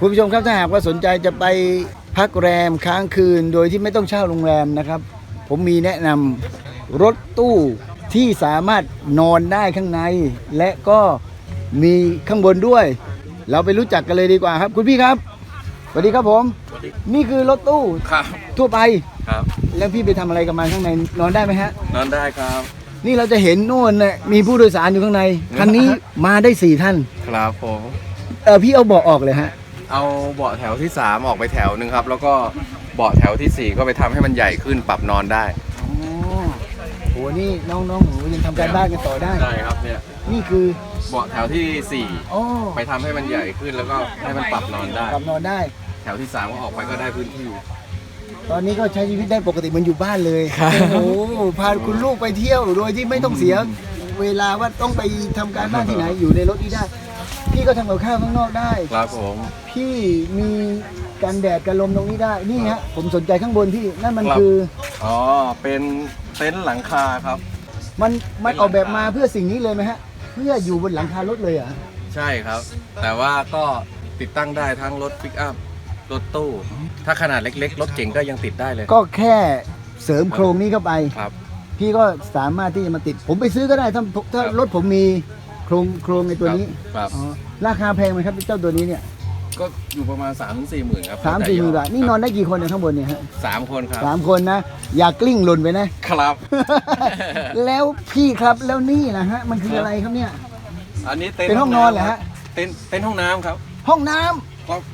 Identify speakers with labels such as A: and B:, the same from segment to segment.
A: คุณผู้ชมครับถ้าหากว่าสนใจจะไปพักแรมค้างคืนโดยที่ไม่ต้องเช่าโรงแรมนะครับผมมีแนะนำรถตู้ที่สามารถนอนได้ข้างในและก็มีข้างบนด้วย เราไปรู้จักกันเลยดีกว่าครับคุณพี่ครับสวัสดีครับผมนี่คือรถตู้
B: ครับ
A: ทั่วไป
B: ครับ
A: แล้วพี่ไปทำอะไรกับมันข้างในนอนได้ไหมฮะ
B: นอนได้ครับ
A: นี่เราจะเห็นโน่นเนี่ยมีผู้โดยสารอยู่ข้างในคันนี้มาได้4ท่าน
B: ครับผม
A: พี่เอาเบาะออกเลยฮะ
B: เอาเบาะแถวที่ 3 ออกไปแถวหนึ่งครับ แล้วก็เบาะแถวที่ 4 ก็ไปทำให้มันใหญ่ขึ้นปรับนอนได้
A: อ๋อโหนี่น้องๆหนูยังทำการบ้านกันต่อได้
B: ได้ครับเนี่ย
A: นี่คือ
B: เบาะแถวที่
A: อ๋อ
B: 4 ไปทำให้มันใหญ่ขึ้นแล้วก็ให้มันปรับนอนได้
A: กลับนอนได้
B: แถวที่ 3 ก็ออกไปก็ได้พื้นที่
A: ตอนนี้ก็ใช้ชีวิตได้ปกติเหมันอยู่บ้านเลยโอ้โหพาคุณลูกไปเที่ยวโดยที่ไม่ต้องเสียเวลาว่าต้องไปทำการบ้านที่ไหนอยู่ในรถนี้ได้ พี่ก็ทำกับข้าวข้างนอกได้
B: ครับผม
A: พี่มีกันแดดกันลมตรงนี้ได้นี่ฮะผมสนใจข้างบนพี่นั่นมัน
B: ครับ
A: คือ
B: อ๋อเป็นเต็นท์หลังคาครับ
A: มันออกแบบมาเพื่อสิ่งนี้เลยไหมฮะเพื่ออยู่บนหลังคารถเลยเหรอ่ะ
B: ใช่ครับ แต่ว่าก็ติดตั้งได้ทั้งรถปิกอัพรถตู้ ถ้าขนาดเล็กๆรถเก๋งก็ยังติดได้เลย
A: ก็แค่เสริมโครงนี้เข้าไป
B: ครับ
A: พี่ก็สามารถที่จะมาติด ผมไปซื้อก็ได้ถ้า
B: ครับ
A: รถผมมีโครงในตัวนี้
B: ครับ
A: อ๋อราคาแพงไหมครับเจ้าตัวนี้เนี่ย
B: ก็อยู่ประมาณ 3-4 หมื่นครับ
A: 3-4 หมื่นบาทนี่นอนได้กี่คนเนี่ยข้างบนเนี่ยฮะ
B: 3 คนครับ
A: 3 คนนะอย่ากลิ้งหล่นไปนะ
B: ครับ
A: แล้วพี่ครับแล้วนี่นะฮะมันคืออะไรครับเนี่ย
B: อันนี้
A: เป็นห้องนอนเหรอฮะ
B: เต็นท์ห้องน้ำครับ
A: ห้องน้ำ
B: ครับ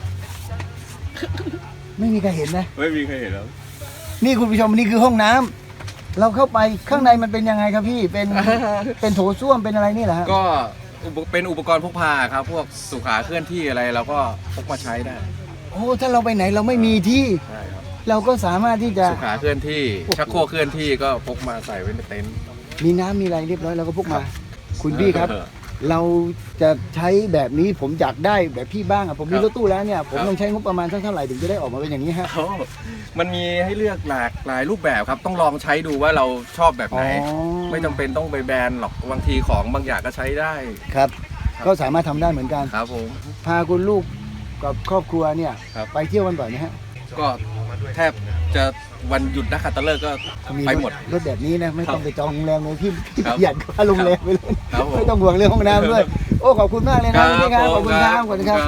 A: ไม่มีใครเห็นนะ
B: ไม่มีใครเห็นแล้ว
A: นี่คุณผู้ชมนี่คือห้องน้ำเราเข้าไปข้างในมันเป็นยังไงครับพี่เป็นโถส้วมเป็นอะไรนี่เหรอฮะ
B: ก็เป็นอุปกรณ์พกพาครับ พวกสุขาเคลื่อนที่อะไรเราก็พกมาใช้ได้
A: โอ้ถ้าเราไปไหนเราไม่มีที่
B: ใช่ครับ
A: เราก็สามารถที่จะ
B: สุขาเคลื่อนที่ชักโครกเคลื่อนที่ก็พกมาใส่ไว้ในเต็นท์
A: มีน้ำมีอะไรเรียบร้อยเราก็พก
B: ครั
A: มา
B: บ
A: คุณพี่ครับ เราจะใช้แบบนี้ผมอยากได้แบบพี่บ้างอ่ะผมมีรถตู้แล้วเนี่ยผมต้องใช้งบประมาณสักเท่าไหร่ถึงจะได้ออกมาเป็นอย่างนี้ฮะ
B: โอ้มันมีให้เลือกหลากหลายรูปแบบครับ ต้องลองใช้ดูว่าเราชอบแบบไหน
A: อ๋อ
B: ไม่จำเป็นต้องไปแบนหรอกบางทีของบางอย่างก็ใช้ได้
A: ครับ ก็สามารถทำได้เหมือนกัน
B: ครับผม
A: พาคุณลูกกับครอบครัวเนี่ย
B: ครับ
A: ไปเที่ยวกันบ่อยนะฮะ
B: ก็แทบจะวันหยุดนักขัตฤกษ์ก็ไปหมด
A: รถแบบนี้นะไม่ต้องไปจองโรงแรมเลยพี่
B: ครับ
A: ประหยัดค่าโรงแรมไปเลย
B: ครับผม
A: ไม่ต้องห่วงเรื่องห้องน้ำด้วยโอ้ขอบคุณมากเลยนะพี่ครับขอบคุณครับขอบคุณครับ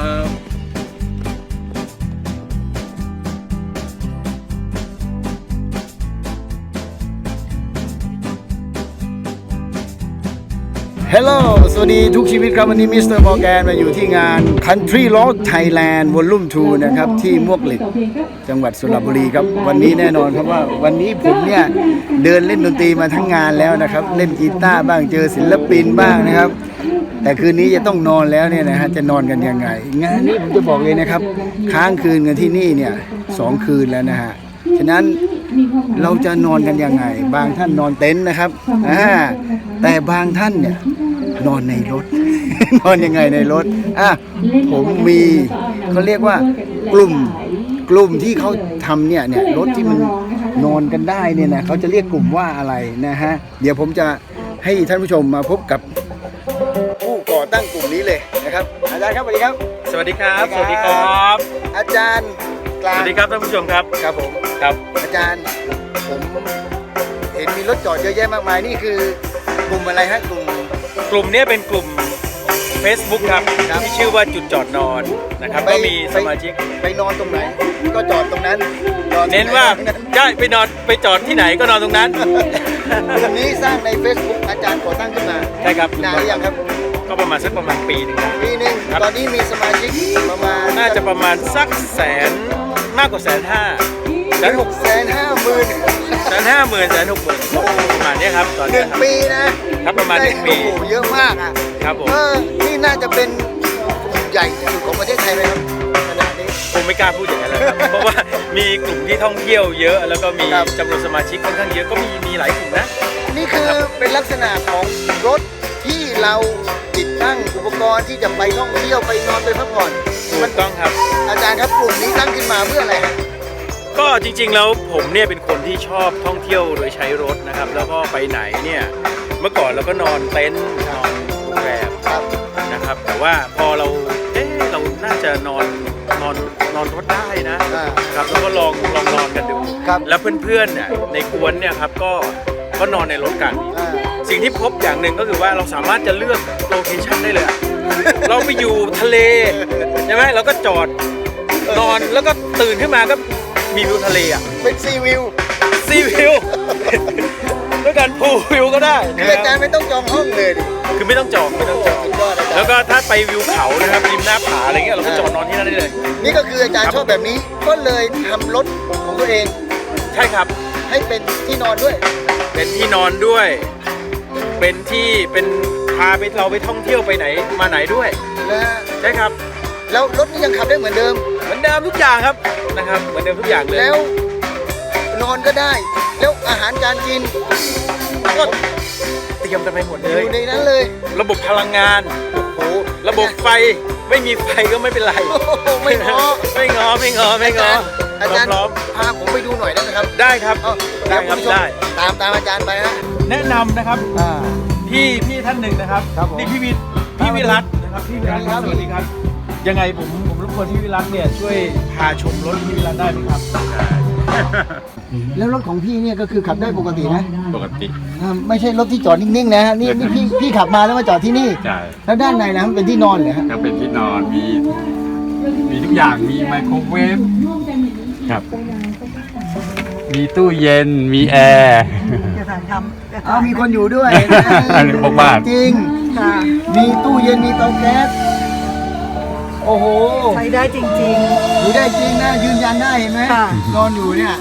A: ฮัลโหลสวัสดีทุกชีวิตครับวันนี้มิสเตอร์มอร์แกนมาอยู่ที่งาน Country Road Thailand Volume 2 นะครับที่มวกเหล็กจังหวัดสระบุรีครับวันนี้แน่นอนครับว่าวันนี้ผมเนี่ยเดินเล่นดนตรีมาทั้งงานแล้วนะครับเล่นกีตาร์บ้างเจอศิลปินบ้างนะครับแต่คืนนี้จะต้องนอนแล้วเนี่ยนะฮะจะนอนกันยังไงงานนี้ผมจะบอกเลยนะครับค้างคืนกันที่นี่เนี่ย2 คืนแล้วนะฮะฉะนั้นเราจะนอนกันยังไงบางท่านนอนเต็นท์นะครับแต่บางท่านเนี่ยนอนในรถ นอนยังไงในรถผมมีเขาเรียกว่ากลุ่มที่เขาทำเนี่ยรถที่มันนอนกันได้เนี่ยนะเขาจะเรียกกลุ่มว่าอะไรนะฮะเดี๋ยวผมจะให้ท่านผู้ชมมาพบกับผู้ก่อตั้งกลุ่มนี้เลยนะครับอาจารย์ครับสวัสดีครับ
C: สวัสดีครับ สวัสดีครับ
A: อาจารย์กลาง
C: สวัสดีครับท่านผู้ชมครับ
A: ครับผม
C: ครับ
A: อาจารย์ผมเห็นมีรถจอดเยอะแยะมากมายนี่คือกลุ่มอะไรฮะกลุ่ม
C: นี้เป็นกลุ่ม Facebook ครับ
A: ครับ
C: ที่ชื่อว่าจุดจอดนอนนะครับ ก็มีสมาชิก
A: ไปนอนตรงไหน ก็จอดตรงนั้นจอดตรงไห
C: เน้นว่าได้ไปจอดที่ไหนก็นอนตรงนั้น
A: กลุ่มนี้สร้างใน Facebook อาจารย์ก่อตั้งขึ้นมา
C: ใช่ครับ
A: นานหรือยังครับ
C: ก็ประมาณปีหนึงครับ
A: ปีหนึง
C: ครับ
A: ตอนนี้มีสมาชิกประมาณ
C: น่าจะประมาณสักแสนมากกว่า150,000
A: 1,650,000
C: 150,000 160,000ประมาณนี้ครับตอน
A: ห
C: นี้
A: นึ่ง
C: ครับ
A: ปีนะครับ
C: ประมาณหนึ่งปี
A: โอ้โหเยอะมากอ่ะ
C: ครับผม
A: นี่น่าจะเป็นกลุ่มใหญ่ที่สุดของประเทศไทยไหมครับขนาดนี้
C: ผมไม่กล้าพูดอย่างนั้นเลยครับ เพราะว่ามีกลุ่มที่ท่องเที่ยวเยอะ แล้วก็มี
A: ครับ
C: จำนวนสมาชิกค่อนข้างเยอะก็มีหลายกลุ่มนะ
A: นี่คือเป็นลักษณะของรถที่เราติดตั้งอุปกรณ์ที่จะไปท่องเที่ยวไปนอนไปพักผ่อน
C: ถูกต้องครับ
A: อาจารย์ครับกลุ่มนี้ตั้งขึ้นมาเพื่ออะไรฮะ
C: ก็จริงๆแล้วผมเนี่ยเป็นคนที่ชอบท่องเที่ยวโดยใช้รถนะครับ แล้วก็ไปไหนเนี่ยเมื่อก่อนเราก็นอนเต็นท์นอนโรงแรม
A: ครับ
C: นะครับ แต่ว่าพอเราน่าจะนอนนอนรถได้นะครับแล้วก็ลองนอนกันดู
A: ครับ
C: แล้วเพื่อนๆเนี่ยในกวนเนี่ยครับก็นอนในรถกัน สิ่งที่พบอย่างหนึ่งก็คือว่าเราสามารถจะเลือกโลเคชั่นได้เลยอะเราไปอยู่ทะเลใช่ไหมเราก็จอดนอนแล้วก็ตื่นขึ้นมาก็มีวิวทะเลอ่ะ
A: เป็นซีวิว
C: ซีวิว ด้วยการพูลวิวก็ได้
A: คืออาจารย์ไม่ต้องจองห้องเลยดิ
C: คือไม่ต้องจอง
A: สุดยอดอาจารย์
C: แล้วก็ถ้าไปวิวเขานะครับริมหน้าผาอะไรเงี้ยเราก็จอดนอนที่นั่นได้เลย
A: นี่ก็คืออาจารย์ชอบแบบนี้ ก็เลยทำรถของตัวเอง
C: ใช่ครับ
A: ให้เป็นที่นอนด้วย
C: เป็นที่นอนด้วย เป็นพาไปเราไปท่องเที่ยวไปไหนมาไหนด้วย
A: นะฮะ
C: ใช่ครับ
A: แล้วรถนี่ยังขับได้เหมือนเดิม
C: เหมือนเดิมทุกอย่างครับนะครับเหมือนเดิมทุกอย่างเลย
A: แล้วนอนก็ได้ แล้วอาหารการกิน
C: ก็เตรียมกันไปหมด
A: อ
C: เลย
A: ยู่ในนั้นเลย
C: ระบบพลังงาน
A: โอ้โห
C: ระบบไฟไม่มีไฟก็ไม่เป็นไร
A: โอ้โหไม่ง้อ
C: ไม่งอไม่งอไม่งอ
A: อาจารย์
C: พร้อม
A: พาผมไปดูหน่อยได้ไหมครับ
C: ๆได้ครับ
A: เอ้า
C: ได้ครับ
A: เยวณผู้ชม
C: ได้
A: ตามอาจารย์ไปฮะ
C: แนะนำนะครับ
A: อ่า
C: พี่ท่านหนึ่งนะครับ
A: ครับผม
C: นี่พี่วิรัตนะครับพี่วิรัตครับ
A: ส
C: ส
A: วั
C: วั
A: ส
C: ส
A: ดี
C: ดี
A: ค
C: ค
A: รั
C: รับ บยังไงผมรบกวนพี่วิรัตเนี่ยช่วยพาชมรถพี่วิรัตได้ไหมครับ
A: แล้วรถของพี่เนี่ยก็คือขับได้ปกตินะ
D: ปกติ
A: ไม่ใช่รถที่จอดนิ่งๆนะฮะนี่พี่ขับมาแล้วมาจอดที่นี่
D: ใช่
A: แล้วด้านในนะมันเป็นที่นอนเหรอฮะ
D: ก็เป็นที่นอนมีทุกอย่างมีไมโครเวฟครับ มีตู้เย็นมีแอร์
A: มีคนอยู่ด้วย
D: อันนี้พวกบ้าน
A: จริงมีตู้เย็นมีเตาแก๊สโอ้โห
E: ใช้ได้จริง
A: อยู่ได้จริงนะยืนยันได้เห็นไหม
E: ค่ะ
A: นอนอยู่เนี่ย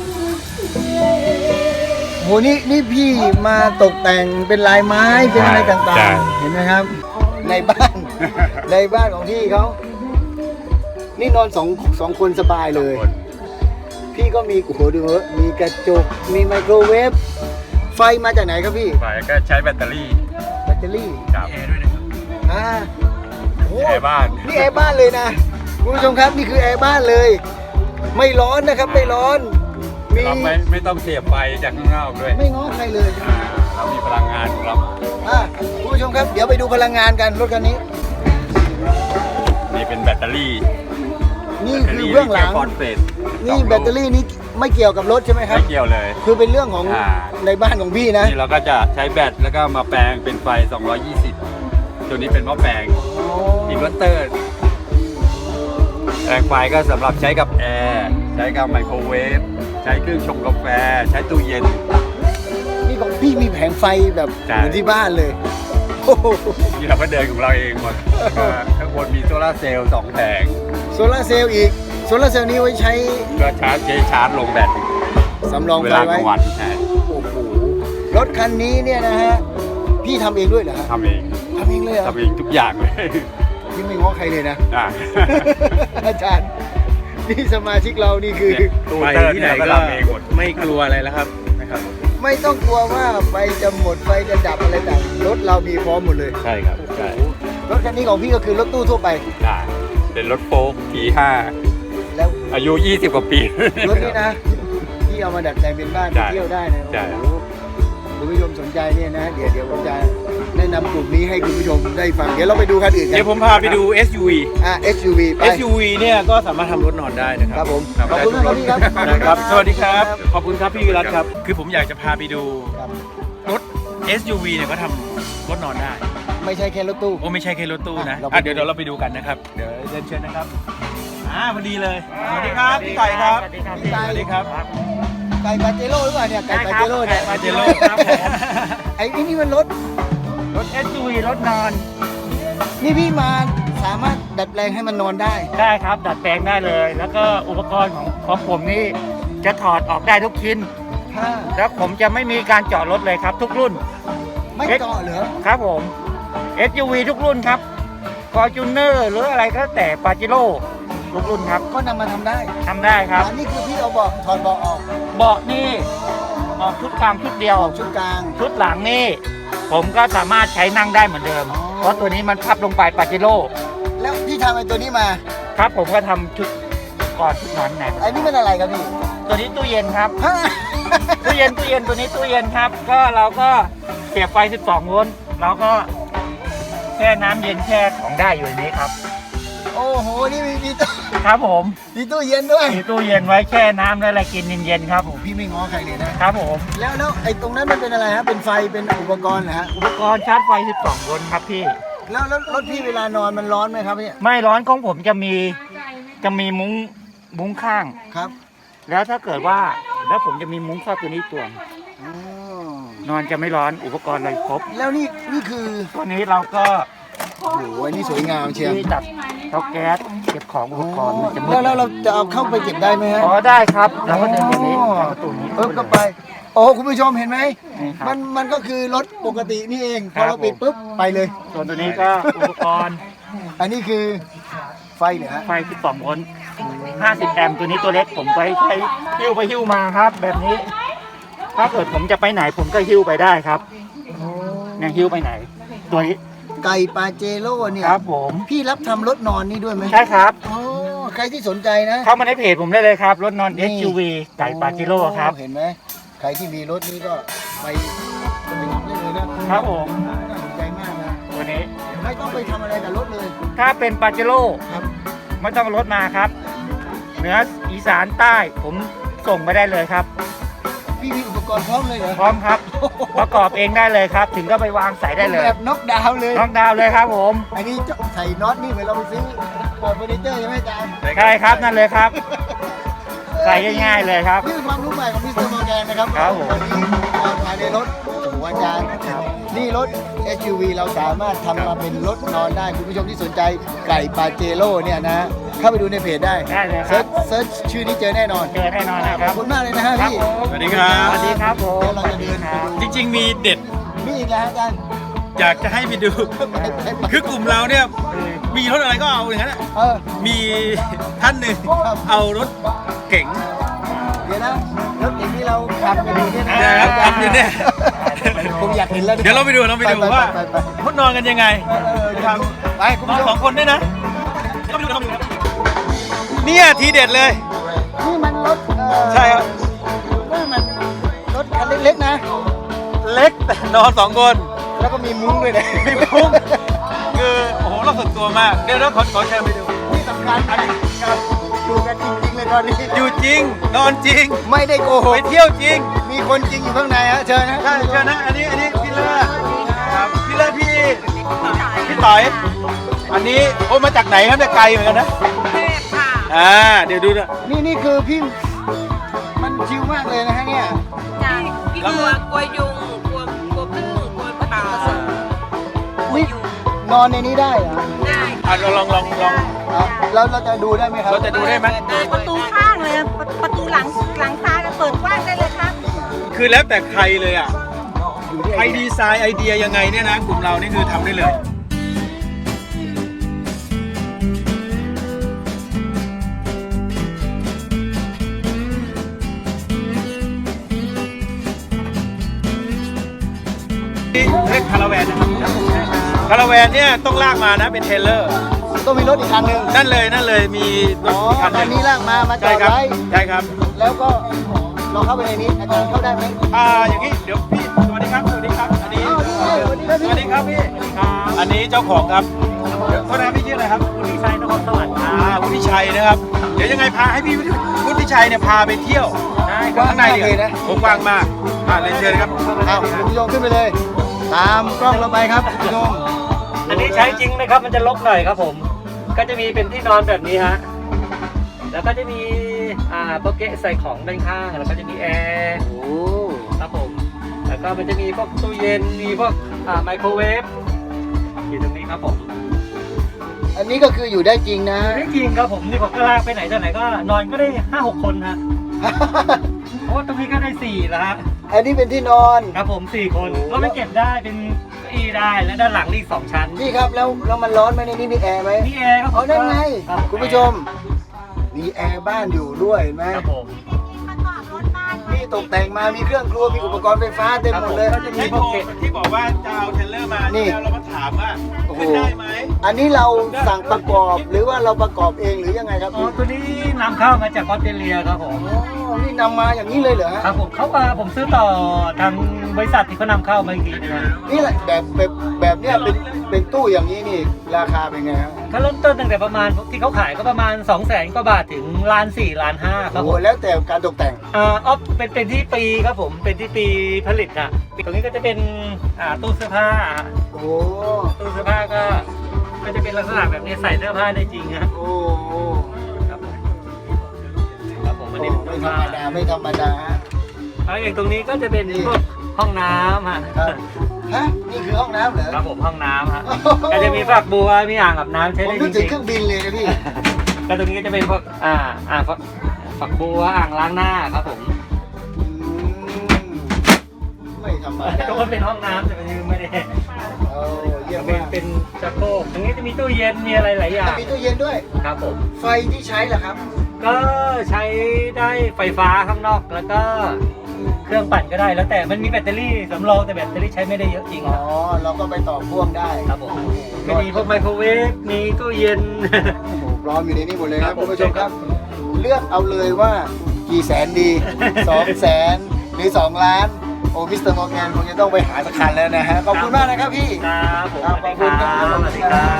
A: โหนี่พี่มาตกแต่งเป็นลายไม้เป็นอะไรต่างๆ เห็นไหมครับ ในบ้าน ในบ้านของพี่เขานี่นอนสองคนสบายเลย พี่ก็มีโอ้โหดูเถอะมีกระจกมีไมโครเวฟไฟมาจากไหนครับพี่
D: ฝ่ายก็ใช้แบตเตอรี่
A: แบตเตอรี่
D: ครับ
C: แอร์ด้วยนะครับ
A: อ่าโอ้
D: แอร์บ้าน
A: นี่แอร์บ้านเลยนะคุณผู้ชมครับนี่คือแอร์บ้านเลย ไม่ร้อนนะครับไม่ร้อนมี
D: เราไม่ต้องเสียบไฟจากข้างนอกด้วย
A: ไม่ง้อใครเลย
D: เรามีพลังงานของเรา
A: คุณผู้ชมครับเดี๋ยวไปดูพลังงานกันรถคันนี้
D: นี่เป็นแบตเตอรี่
A: นี่คือเบื้องหลัง
D: ฟอสเฟต
A: นี่แบตเตอรี่นี้ไม่เกี่ยวกับรถใช่ไหมครับ
D: ไม่เกี่ยวเลย
A: คือเป็นเรื่องของ
D: อ่า
A: ในบ้านของพี่นะ
D: นี่เราก็จะใช้แบตแล้วก็มาแปลงเป็นไฟ 220 ตัวนี้เป็นหม้อแปลงอินเวอร์เตอร์แปลงไฟก็สำหรับใช้กับแอร์ใช้กับไมโครเวฟใช้เครื่องชงกาแฟใช้ตู้เย็น
A: นี่ของพี่มีแผงไฟแบบ
D: ใช่
A: เหมือนที่บ้านเลยโอ้โห
D: นี่เราก็เดินของเราเองหมดข้างบนมีโซลาร์เซลล์2แผง
A: โซลาร์เซลล์อีกโซลาร์เซลล์นี้ไว้ใช้
D: ก็ชาร์จลงแบต
A: สำรอง
D: เว
A: ไฟ
D: ลาก
A: ไว้
D: ลางวันใช่
A: โอ้โหรถคันนี้เนี่ยนะฮะพี่ทำเองด้วยเหรอฮะ
D: ทำเอง
A: ทำเองเลยเหรอ
D: ทำเองทุกอย่างเลย
A: พี่ไม่ง้อใครเลยนะ
D: อ่ะ
A: อาจารย์นี่สมาชิกเรานี่คือ
D: เนี่ยตู้
C: ไป
D: เตอร์
C: ที่ไหน
D: เนี่ยก็
C: ก็
D: ทำเองหมด
C: ไม่กลัวอะไรแล้วครับนะครับ
A: ไม่ต้องกลัวว่าไฟจะหมดไฟจะดับอะไรต่างรถเรามีพร้อมหมดเลย
D: ใช่ครับใช่
A: รถคันนี้ของพี่ก็คือรถตู้ทั่วไป
D: ได้เป็นรถโฟล์ก T5
A: แล้ว
D: อายุ 20 กว่าปี
A: รถนี้นะที่เอามาดัดแปลงเป็นบ้านไป
D: ใช่
A: เที่ยวได้นะ
D: ใช่
A: โอ้โหคุณผู้ชมสนใจเนี่ยนะเดี๋ยวผมจะแนะนำกลุ่มนี้ให้คุณผู้ชมได้ฟังเดี๋ยวเราไปดูคันอื่นกัน
C: เดี๋ยวผมพาไปดู SUV
A: SUV ไป
C: SUV เนี่ยก็สามารถทำรถนอนได้นะค
A: ค
C: รั
A: รั
C: บบ
A: ผมขอบคุณมากครับพี่ครับ
C: นะครับ สวัสดีครับ ขอบคุณครับพี่วิรัตครับ คือผมอยากจะพาไปดู
A: ครับ
C: รถ SUV เนี่ยก็ทำรถนอนได้
A: ไม่ใช่แค่รถตู้
C: โอ้ไม่ใช่แค่รถตู้นะ
A: เราไปดู
C: เดี๋ยวเราไปดูกันนะครับ เดี๋ยวเดินเชิญนะครับพอดีเลย สวัสดีครับพี่ไก่ครับ
A: พี่
C: สวัสดีครับ
A: ไก่ปาเจโร่หรือเปล่าเนี่ยไก่ปาเจโร่เนี่ย
C: ปาเจโร่ครับผม
A: ไอ้นี่มันรถ
E: ๆ รถ SUV รถนอน
A: นี่พี่มาสามารถดัดแปลงให้มันนอนได้
E: ได้ครับ ดัดแปลงได้เลย แล้วก็อุปกรณ์ของผมนี่จะถอดออกได้ทุกชิ้น
A: ถ้า
E: แล้วผมจะไม่มีการเจาะรถเลยครับ ทุกรุ่น
A: ไม่เจาะเหรอ
E: ครับผม SUV ทุกรุ่นครับ Fortuner หรืออะไรก็แล้วแต่ปาจิโร่ทุกรุ่นครับ
A: ก็นำมาทำได้
E: ทำได้ครับ
A: อันนี้คือพี่เอาเบาะถอดเบาะออก
E: เบาะนี่ออกชุดกลางชุดเดียว
A: ชุดกลาง
E: ชุดหลังนี่ ผมก็สามารถใช้นั่งได้เหมือนเดิม
A: อ๋อ
E: เพราะตัวนี้มันพับลงไปปาจิโร่
A: แล้วพี่ทำไอ้ตัวนี้มา
E: ครับผมก็ทำชุดก่อนชุดนอนไหน
A: ไอ้นี่มันอะไรครับพี่
E: ตัวนี้ตู้เย็นครับ
A: ฮะ
E: ตู้เย็นตัวนี้ตู้เย็นครับ ก็เราก็เสียบไฟ 12 โวลต์เราก็แช่น้ำเย็นแช่ของได้อยู่ในนี้ครับ
A: โอ้โห นี่มีตู้
E: ครับผม
A: มีตู้เย็นด้วย
E: มีตู้เย็นไว้แช่น้ำและอะไรกินเย็นๆครับผม
A: พี่ไม่ง้อใครเลยนะครับ
E: ผม
A: แล้วไอ้ตรงนั้นมันเป็นอะไรฮะ เป็นไฟ เป็นอุปกรณ์เหรอฮะ
E: อุปกรณ์ชาร์จไฟ 12 โวลต์ครับพี่
A: แล้วรถพี่เวลานอนมันร้อนไหมครับเนี่ย
E: ไม่ร้อนของผมจะมีมุ้งข้าง
A: ครับ
E: แล้วถ้าเกิดว่าแล้วผมจะมีมุ้งครอบตัวนี้ตัว
A: อ๋อน
E: อนจะไม่ร้อนอุปกรณ์อะไรครบ
A: แล้วนี่คือ
E: ตัวนี้เราก็
A: โอ้โหอันนี้สวยงามเชียว
E: ที่ตัดเตาแก๊สเก็บของอุปกรณ์มันจะมืด
A: แล้วเราจะเอาเข้าไปเก็บได้ไหมฮะ
E: อ๋อได้ครับเราก็เดินแบบนี้ทางประตูนี้
A: ก็ไป โอ้คุณผู้ชมเห็นไหม
E: นี่ครับ
A: มันก็คือรถปกตินี่เองพ
E: ครั
A: อบ เราปิดปุ๊บไปเลย
E: ส่วนตัวนี้ก็อุปกรณ์
A: อันนี้คือไฟเหรอฮะ
E: ไฟ 12 โวลต์ 50 แอมป์ตัวนี้ตัวเล็กผมไปใช้หิ้วไปหิ้วมาครับ แบบนี้ ถ้าเกิดผมจะไปไหนผมก็หิ้วไปได้ครับเนี่ยหิ้วไปไหน ตัวนี้
A: ไก่ปาเจโร่เนี่ย
E: ครับผม
A: พี่รับทำรถนอนนี่ด้วยไหม
E: ใช่ครับ
A: อ๋อใครที่สนใจนะ
E: เข้ามาในเพจผมได้เลยครับ รถนอน
A: นี่
E: SUV ไก่ปาจิโร่ครับ
A: เห็นไหมใครที่มีรถนี้ก็ไปทำได้เลยนะครับ
E: ผม
A: น่าสนใจมากนะ
E: ตัวนี้
A: ไม่ต้องไปทำอะไรกับรถเลย
E: ถ้าเป็นปาจิโร่
A: ครับ
E: ไม่ต้องเอารถมาครับ เหนืออีสานใต้ผมส่งไปได้เลยครับ
A: พี่มีอุปกรณ์พร้อมเลยเหรอ
E: พร้อมครับ ประกอบเองได้เลยครับ ถึงก็ไปวางใส่ได้เลย
A: แบบน็อกดาวน์เลย
E: น้องดาวเลยครับผม
A: อันนี้จะใส่น็อตนี่เหมือนเราไปซื้อเปิดเฟอร์นิเจอร์ใช่ไหมอาจารย์
E: ใช่ครับนั่นเลยครับ ใส่ง่ายๆเลยครับ
A: นี่เป็นความรู้ใหม่ของมิสเตอร์มอร์แกนนะครับ
E: ครับผม
A: วันนี้ภายในรถโอ้โหอาจารย์นี่รถ SUV เราสามารถทำมาเป็นรถนอนได้คุณผู้ชมที่สนใจไก่ปาเจโร่เนี่ยนะ เข้าไปดูในเพจได้
E: ได้เลยครับ
A: เซิร์ชชื่อนี้เจอแน่นอน
E: เจอแน่นอนนะค
A: ข
E: รั
A: อ
E: บบ
A: คุณมากเลยนะฮะ
E: ครับ
A: พี่
E: ผม
C: สวัสดีครับ
E: สวัสดีครับผม
A: เดี๋ยวเราจะเดินไปดู
C: จริงๆมีเด็ด
A: มีอีกแล้วฮะอาจารย์
C: อยากจะให้ไปดู คือกลุ่มเราเนี่ยมีรถอะไรก็เอาอย่างนั้นอะ
A: เออ
C: มีท่านหนึ่งเอารถเก๋ง
A: เดี๋ยวนะรถเก๋งที่เราขับกันอยู่เนี่ยนะ
C: นะครับขับอยู่เนี่ย
A: ผมอยากเห็นแล้ว
C: เดี๋ยวเราไปดูว่า
A: ไป
C: เขานอนกันยังไง
A: ครับไปคุณ
C: นอน
A: ผู้ช
C: สอ
A: ม
C: งคนด้วยนะเราไปดูเนี่ยทีเด็ดเลย
A: นี่มันรถ
C: ใช่ครับ
A: ว่ามันรถคันเล็กๆนะ
C: เล็กแต่นอนสองคน
A: แล้วก็มีมุ้งด้วยนะ
C: มีมุ้ง คือโอ้โหเราสุดตัวมาก เดี๋ยวเราขอเชิญไปดู
A: ที่สำคัญครับดูกันจริงๆเลยตอนนี้
C: อยู่จริง นอนจริง
A: ไม่ได้โกห
C: ไป
A: ก
C: เที่ยวจริง
A: มีคนจริงอยู่ข้างในฮะเชิญนะ
C: ใช่เชิญนะ อันนี้พี่เลิศครับพี่เลิศพี่ต่อย อันนี้โอ้มาจากไหนครับเนี่ยไกลเหมือนกันนะเดี๋ยวดูนะ
A: นี่คือพี่มันชิลมากเลยนะฮะเนี่ย
F: พี่กลัวยุงกลัวพึ่งกลัวปลา
A: นี่นอนในนี้ได้เหรอ
F: ได้
C: ลอง
A: อ่ะแล้วเราจะดูได้ไหมครับ
C: เราจะดูได้ไหม
F: ประตูข้างเลยประตูหลังซ้ายก็เปิดกว้างได้เลยครับ
C: คือแล้วแต่ใครเลยอ่ะใครดีไซน์ไอเดียยังไงเนี่ยนะกลุ่มเรานี่คือทำได้เลย นี่เรียกคาราแวนนะครับคาราแวนเนี่ยต้องลากมานะเป็นเทรลเลอร์
A: ต้องมีรถอีกคันหนึ่ง
C: นั่นเลยมีร
A: อ๋อ
C: ถคันห
A: คัน
C: นึ่
A: นี้
C: ง
A: ลากมาจอ
C: ใช่
A: ด
C: ครับ
A: ไว้
C: ใช่ครับ
A: แล้วก็เราเข้าไปในนี้อาจารย์เข้าได้ไหม
C: อย่างนี้เดี๋ยวพี่สวัสดีครับอันนี้
A: อ้าวนี่สวัสดีครับ
C: สวัสดีครับพี่อันนี้เจ้าของครับโทษนะครับพี่ชื่ออะไรครับ
E: คุณดีไซน์นครสวรรค์ครับ
C: วุฒิชัยนะครับเดี๋ยวยังไงพาให้พี่วุฒิชัยเนี่ยพาไปเที่ยว
E: ได้ค
A: ก
E: รับ
A: ว้าง
C: ข้างใน
A: มาก
C: ดี
A: เลยนะ
C: ผมกว้างมากเรียนเชิญครับ
A: อ้าวคุณผู้ชมขึ้นไปเลย ตามกล้องเราไปครับคุณผู้ชม
E: อันนี้ใช้จริงนะครับมันจะลกหน่อยครับผม ก็จะมีเป็นที่นอนแบบนี้ฮะแล้วก็จะมีโปเกะใส่ของด้านข้างแล้วก็จะมีแอร์
A: โอ้
E: ครับผมแล้วก็มันจะมีพวกตู้เย็นมีพวกไมโครเวฟอยู่ตรงนี้ครับผม
A: อันนี้ก็คืออยู่ได้จริงนะ
E: ไม่จริงครับผมนี่ผมก็ลากไปไหนต่อไหนก็นอนก็ได้ 5-6 คนฮะเพราะว่าตรงนี้ก็ได้4แล้วฮะ
A: อันนี้เป็นที่นอน
E: ครับผม4 คนก็ไม่เก็บได้เป็นเก้าอี้ได้และด้านหลังอีก2 ชั้น
A: พี่ครับแล้วมันร้อนไหมในนี้มีแอร์ไหม
E: มีแอร์ครับผม
A: เอานั่นไง
E: รับ
A: คุณผู้ชม มีแอร์บ้านอยู่ด้วยเห็นไหม
E: ครับผม
A: นี่ตกแต่งมามีเครื่องครัวมีอุปกรณ์ไฟฟ้าเต็มหมดเลย
E: ก็จะมี
C: ที่
E: โปเกะ
C: บอกว่าจะเอาเทรลเลอร์มา
A: นี่
C: แล้วเรามาถามว่า
A: โอ้โห
C: ขึ้นได้ไหม
A: อันนี้เราสั่งประกอบหรือว่าเราประกอบเองหรือยังไงครับ
E: อ๋อตัวนี้นำเข้ามาจากออสเตรเลียครับผม
A: อ๋อนี่นำมาอย่างนี้เลยเหรอฮะ
E: ครับผมเขามาผมซื้อต่อทางบริษัทที่เขานำเข้ามาอีกทีนึง
A: นี่แหละแบบเนี้ยเป็นตู้อย่างนี้นี่ราคาเป็นไงครับ
E: เขาเริ่มต้นตั้งแต่ประมาณที่เขาขายก็ประมาณ 200,000 กว่าบาทถึง1.4 ล้าน5ครับผ
A: โอ้
E: ม
A: แล้วแต่การตกแต่ง
E: เป็นที่ปีครับผมเป็นที่ปีผลิตนะตรงนี้ก็จะเป็นตู้เสื้อผ้า
A: โอ้
E: ตู้เสื้อผ้าก็จะเป็นลักษณะแบบนี้ใส่เสื้อผ้าได้จริงฮะ
A: โอ้โอ้
E: ครับผมครับผมอันนี้เป็น
A: ไม่
E: ตู้
A: ธร
E: ผ้าร
A: มดาไม่ธรรมดาฮะ
E: แล้วอย่างตรงนี้ก็จะเป็นพวกห้องน้ำฮะ
A: ครับฮะนี่คือห้องน้ำเหรอ
E: ครับผมห้องน้ำฮะก็จะมีฝักบัวมีอ่างอาบน้ำใช้
A: ผม
E: ได้
A: นึ
E: จ
A: กถึ
E: ริ
A: ง
E: ง
A: เครื่องบินเลยนะพี่
E: ๆก็ตรงนี้ก็จะเป็นพวกฝักบัวอ่างล้างหน้าครับผม
A: อืมไม่ธรรมดา
E: ก็ว่าเป็นห้องน้ำแต่ไม่ได้
A: โอ้เยี่ยม
E: เป็น
A: มาก
E: เป็นชักโครกตรงนี้จะมีตู้เย็นมีอะไรหลายอย่าง
A: มีตู้เย็นด้วย
E: ครับผม
A: ไฟที่ใช้ล่ะครับ
E: ก็ใช้ได้ไฟฟ้าข้างนอกแล้วก็เครื่องปั่นก็ได้แล้วแต่มันมีแบตเตอรี่สำรองแต่แบตเตอรี่ใช้ไม่ได้เยอะจริง
A: อ๋อ เราก็ไปต่อพ่วงได้
E: ครับผมก็มีพวกไมโครเวฟมีตู้เย็น
A: โอ้โหพร้อมอยู่ในนี้หมดเลยครับ
E: ครับผม
A: คุณผู้ชมครับ เลือกเอาเลยว่ากี่แสนดี 200,000 หรือ 2 ล้าน โอ้มิสเตอร์มอร์แกนคงจะต้องไปหาสักคันแล้วนะฮะ ขอบคุณมากนะครับพี่
E: ครับผม
A: ครับ
E: สวัสดีครับสวัสดีครับ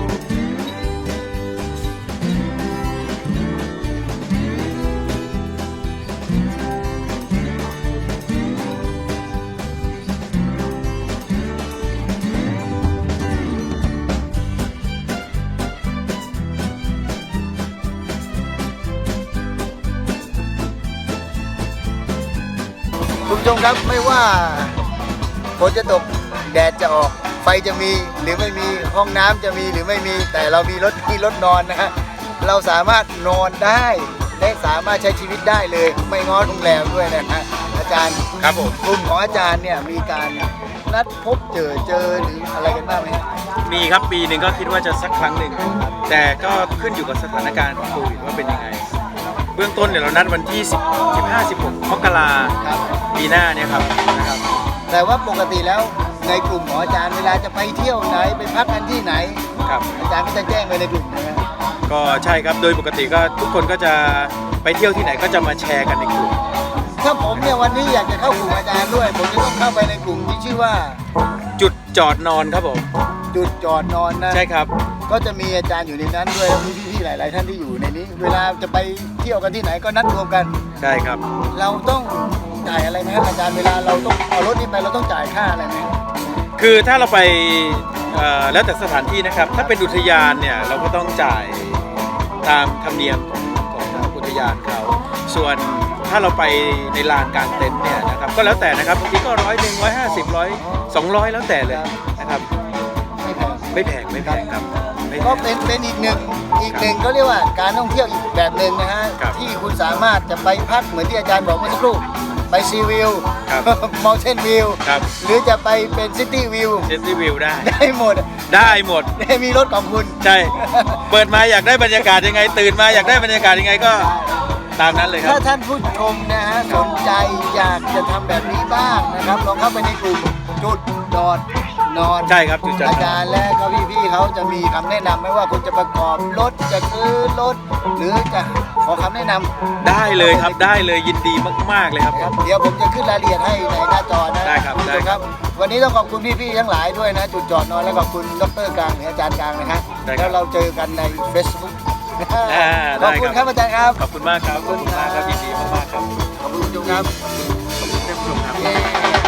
A: คุณผู้ชมครับไม่ว่าฝนจะตกแดดจะออกไฟจะมีหรือไม่มีห้องน้ำจะมีหรือไม่มีแต่เรามีรถนอนนะฮะเราสามารถนอนได้และสามารถใช้ชีวิตได้เลย ไม่ง้อโรงแรมด้วยนะฮะอาจารย์
C: ครับผม
A: กลุ่มของอาจารย์เนี่ยมีการนัดพบเจอหรืออะไรกันบ้างไหมฮะ
C: มีครับปีหนึ่งก็คิดว่าจะสักครั้งหนึ่งแต่ก็ขึ้นอยู่กับสถานการณ์ของโควิดว่าเป็นยังไง เบื้องต้นเนี่ยเรานัดวันที่ 15-16 มกรา
A: ครับ
C: ปีหน้าเนี่ยครับนะครับ
A: แต่ว่าปกติแล้วในกลุ่มของอาจารย์เวลาจะไปเที่ยวไหนไปพักกันที่ไหน
C: ครับ
A: อาจารย์ก็จะแจ้งไว้ในกลุ่มนะฮะ
C: ก็ใช่ครับโดยปกติก็ทุกคนก็จะไปเที่ยวที่ไหนก็จะมาแชร์กันในกลุ่ม
A: ถ้าผมเนี่ยวันนี้อยากจะเข้ากลุ่มอาจารย์ด้วย ผมจะต้องเข้าไปในกลุ่มที่ชื่อว่า
C: จุดจอดนอนครับผม
A: จุดจอดนอนนะ
C: ใช่ครับ
A: ก็จะมีอาจารย์อยู่ในนั้นด้วยมีพี่ๆหลาย ๆ ท่านที่อยู่ในนี้ เวลาจะไปเที่ยวกันที่ไหนก็นัดรวมกัน
C: ใช่ครับ
A: เราต้องจ่ายอะไรไหมครับอาจารย์เวลาเราต้องเอารถนี้ไปเราต้องจ่ายค่าอะไรไหม
C: คือถ้าเราไปแล้วแต่สถานที่นะครับ ถ้าเป็นอุทยานเนี่ยเราก็ต้องจ่ายตามธรรมเนียมของทางอุทยานเขาส่วนถ้าเราไปในลานกลางเต็นท์เนี่ยนะครับก็แล้วแต่นะครับบางทีก็100 150 100 200แล้วแต่เลยนะครับ
A: ไม่แพง
C: ไม่แพงครับไม่แพ
A: ก็
C: ง
A: เป็นอีกหนึ่งก็เรียกว่าการท่องเที่ยวอีกแบบหนึ่งนะฮะ
C: ครับ
A: ที่คุณสามารถจะไปพักเหมือนที่อาจารย์บอกเมื่อสักครู่ไปซีวิว
C: ครับ
A: มอลเทนวิว
C: ครับ
A: หรือจะไปเป็นซิตี้วิว
C: เซนติวิวได้
A: ได้หมด
C: ได้หมด
A: ได้มีรถของคุณ
C: ใช่ เปิดมาอยากได้บรรยากาศยังไง ตื่นมาอยากได้บรรยากาศยังไงก็ตามนั้นเลยครั
A: ถ้า
C: บ
A: ท่านผู้ชมนะฮะสนใจอยากจะทำแบบนี้บ้างนะครับลองเข้าไปในกลุ่มจุดจอดนอน
C: ใช่ครับจุดจอดนอน
A: อาจารย์และก็พี่ๆเขาจะมีคำแนะนำไม่ว่าคุณจะประกอบรถจะซื้อรถหรือจะขอคำแนะนำ
C: ได้เลยครับได้เลยยินดีมากๆเลยครับ
A: ครับเดี๋ยวผมจะขึ้นรายละเอียดให้ในหน้าจอนะ
C: ได้ครับ
A: ณผู้ชมครับ วันนี้ต้องขอบคุณพี่ๆทั้งหลายด้วยนะ จุดจอดนอนและขอบคุณดรกลางหรืออาจารย์กลางนะครับ
C: ได้ครั
A: แล้
C: บ
A: วเราเจอกันใน Facebook ข
C: ได้
A: อบคุณ
C: ค
A: ครับ รับอาจารย์ครับ
C: ขอบคุณมากครับขอบคุณมากครับยินดีมากๆครับ
A: ขอบคุณผู้ชมครับ
C: ขอบคุณท่านผู้ชมครับ
A: เย้